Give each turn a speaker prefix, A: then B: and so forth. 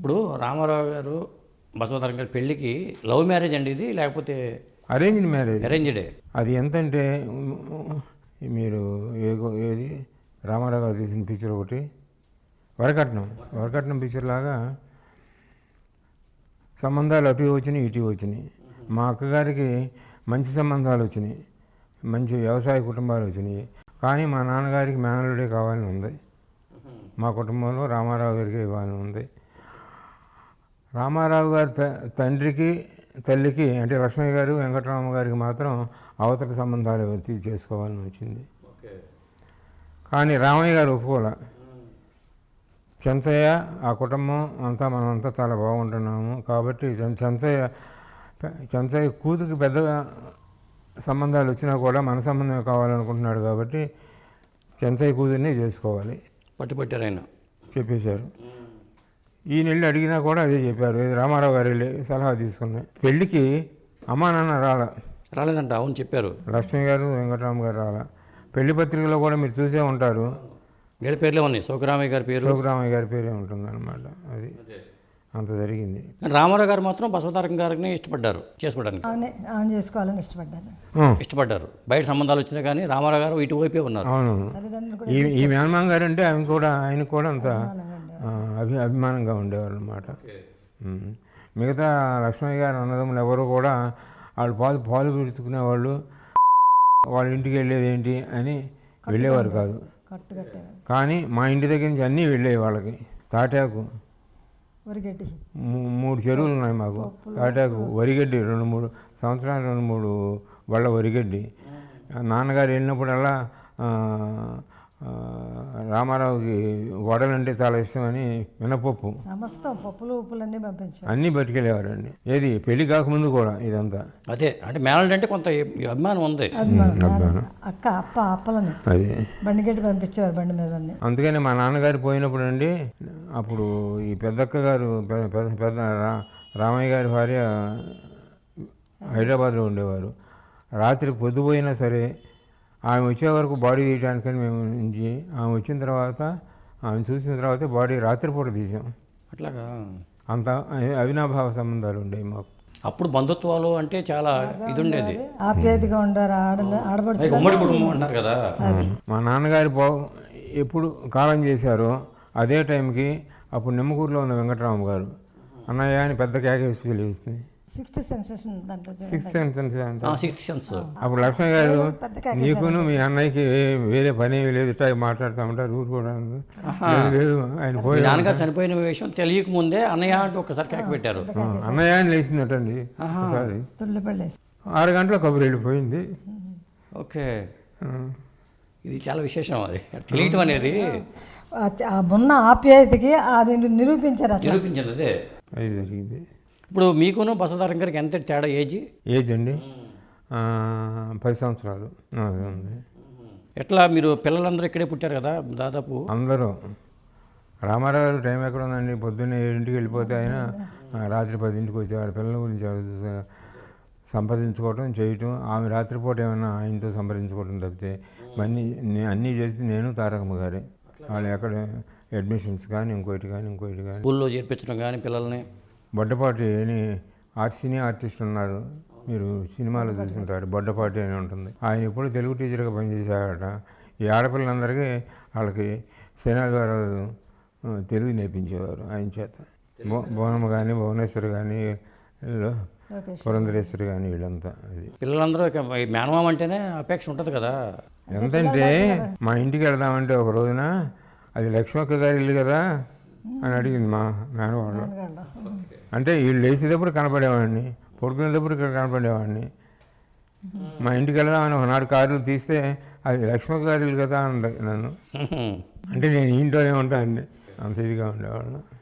A: ఇప్పుడు రామారావు గారు బసవతారకం గారి పెళ్ళికి లవ్ మ్యారేజ్ అండి ఇది, లేకపోతే
B: అరేంజ్డ్ మ్యారేజ్?
A: అరేంజ్డే.
B: అది ఎంతంటే మీరు ఏది రామారావు గారు తీసిన పిక్చర్ ఒకటి వరకట్నం పిక్చర్ లాగా సంబంధాలు అటు వచ్చినాయి ఇటు వచ్చినాయి. మా అక్కగారికి మంచి సంబంధాలు వచ్చినాయి, మంచి వ్యవసాయ కుటుంబాలు వచ్చినాయి. కానీ మా నాన్నగారికి మేనల్లుడే కావాలని ఉంది. మా కుటుంబంలో రామారావు గారికి ఇవ్వాలని ఉంది. రామారావు గారి తండ్రికి తల్లికి అంటే లక్ష్మయ్య గారు వెంకటరామ గారికి మాత్రం అవతల సంబంధాలు చేసుకోవాలని వచ్చింది. కానీ రామయ్య గారు ఒప్పుకోలే. చెంచయ్య ఆ కుటుంబం అంతా మనమంతా చాలా బాగుంటున్నాము కాబట్టి చెంచయ్య కూతురికి పెద్దగా సంబంధాలు వచ్చినా కూడా మన సంబంధం కావాలనుకుంటున్నాడు కాబట్టి చెంచయ్య కూతుర్ని చేసుకోవాలి
A: పట్టుపట్టారు ఆయన
B: చెప్పేశారు. ఈ నెల్లి అడిగినా కూడా అదే చెప్పారు. రామారావు గారు వెళ్ళి సలహా తీసుకున్నాయి. పెళ్ళికి అమ్మా నాన్న
A: రాలేదంట. అవును చెప్పారు.
B: లక్ష్మయ్య గారు వెంకటరామ గారు రాలా. పెళ్లి పత్రికలో కూడా మీరు చూసే ఉంటారు,
A: వీళ్ళ పేర్లే ఉన్నాయి. సోకరామయ్య
B: గారి పేరే ఉంటుంది అనమాట. అది అంత జరిగింది.
A: రామారావు గారు మాత్రం బసవతారకం గారిని ఇష్టపడ్డారు చేసుకోవడానికి,
C: చేసుకోవాలని
A: ఇష్టపడ్డారు. బయట సంబంధాలు వచ్చినా కానీ రామారావు గారు ఇటువైపే ఉన్నారు.
B: అవును. ఈ మేనమామ గారు అంటే ఆయన కూడా అంత అభిమానంగా ఉండేవారు అనమాట. మిగతా లక్ష్మయ్య గారు అన్నదమ్ములు ఎవరు కూడా వాళ్ళు పాలు పెట్టుకునేవాళ్ళు, వాళ్ళ ఇంటికి వెళ్ళేది ఏంటి అని వెళ్ళేవారు కాదు. కానీ మా ఇంటి దగ్గర నుంచి అన్నీ వెళ్ళేవి వాళ్ళకి. తాటాకు 3 చెరువులు ఉన్నాయి మాకు. తాటాకు వరిగడ్డి 2-3 సంవత్సరాలు 2-3 బళ్ళ వరిగడ్డి. నాన్నగారు వెళ్ళినప్పుడల్లా రామారావుకి వడలంటే చాలా ఇష్టమని మినపప్పు
C: సమస్తం పప్పులు ఉప్పులన్నీ పంపించారు,
B: అన్నీ పట్టుకెళ్ళేవారండి. ఏది పెళ్లి కాకముందు కూడా ఇదంతా.
A: అదే అంటే మేనల్డ్ అంటే కొంత అభిమానం ఉంది.
C: అప్పలని
B: అది
C: బండిగడ్డి పంపించేవారు బండి మీద.
B: అందుకని మా నాన్నగారు పోయినప్పుడు అండి, అప్పుడు ఈ పెద్దక్క గారు పెద్ద రామయ్య గారి భార్య హైదరాబాద్లో ఉండేవారు. రాత్రి పొద్దుపోయినా సరే ఆమె వచ్చే వరకు బాడీ తీయడానికని మేము నుంచి ఆమె వచ్చిన తర్వాత ఆమె చూసిన తర్వాత బాడీ రాత్రిపూట తీసాం.
A: అట్లాగా
B: అంత అవినాభావ సంబంధాలు ఉండేవి మాకు.
A: అప్పుడు బంధుత్వాలు అంటే చాలా ఇది ఉండేది,
C: ఆప్యాయతగా ఉండారు.
A: ఉమ్మడి కుటుంబం అన్నారు కదా.
B: మా నాన్నగారు ఎప్పుడు కాలం చేశారో అదే టైంకి అప్పుడు నిమ్మకూరులో ఉన్న వెంకటరామ గారు అన్నయ్య అని పెద్ద కేకేసి తెలియస్తుంది.
C: Sixth sense.
B: అప్పుడు లక్ష్మణ్ గారు నీకును మీ అన్నయ్యకి వేరే పని లేదు, ఇట్లా మాట్లాడుతూ ఉంటారు ఊరు కూడా లేదు. ఆయన పోయి
A: నాన్నగారు చనిపోయిన విషయం తెలియక ముందే అన్నయ్య అంటూ ఒకసారి కేక పెట్టారు.
B: అన్నయ్య అని లేచిందటండి ఒకసారి. 6 గంటల కబురు వెళ్ళిపోయింది.
A: ఓకే, ఇది చాలా విశేషం. అది తెలియటం అనేది
C: ఉన్న ఆప్యాయతకి అది నిరూపించారు.
A: అదే
B: అది జరిగింది.
A: ఇప్పుడు మీకును బసవతారకం గారికి ఎంత తేడా?
B: ఏజ్ అండి 10 సంవత్సరాలు ఉంది.
A: ఎట్లా మీరు పిల్లలందరూ ఇక్కడే పుట్టారు కదా దాదాపు
B: అందరూ? రామారావు గారు టైం ఎక్కడ ఉందండి, పొద్దున్నే 7ంటికి వెళ్ళిపోతే ఆయన రాత్రి 10ంటికి వచ్చేవారు. పిల్లల గురించి సంప్రదించుకోవటం చేయటం, ఆమె రాత్రిపూట ఏమైనా ఆయనతో సంప్రదించుకోవటం తప్పితే అన్నీ చేసి నేను తారకమ్మ గారే. వాళ్ళు ఎక్కడ అడ్మిషన్స్ కానీ ఇంకోటి కానీ
A: స్కూల్లో చేర్పించడం కానీ పిల్లల్ని.
B: బొడ్డపాటి అని సినీ ఆర్టిస్ట్ ఉన్నారు, మీరు సినిమాలో చూసుకుంటారు. బొడ్డపాటి అని ఉంటుంది. ఆయన ఎప్పుడు తెలుగు టీచర్గా పనిచేశారట. ఈ ఆడపిల్లలందరికీ వాళ్ళకి శనాద్వారాలు తెలుగు నేర్పించేవారు ఆయన చేత. భువనమ్మ కానీ భువనేశ్వరి కానీ పురంధరేశ్వరి కానీ వీళ్ళంతా. అది
A: పిల్లలందరూ మేనమామ అంటేనే అపేక్ష ఉంటుంది కదా.
B: ఎంతంటే మా ఇంటికి వెళదామంటే ఒక రోజున అది లక్ష్మక్క గారి ఇల్లు కదా అని అడిగింది మా మేనవాళ్ళు. అంటే వీళ్ళు లేచేటప్పుడు కనపడేవాడిని, పడుకునేటప్పుడు ఇక్కడ కనపడేవాడిని. మా ఇంటికి వెళదామని ఒకనాడు కారులు తీస్తే అది లక్ష్మక్క గారి ఇల్లు కదా అంది నన్ను. అంటే నేను ఇంట్లోనే ఉంటాను, అంత ఇదిగా ఉండేవాళ్ళు.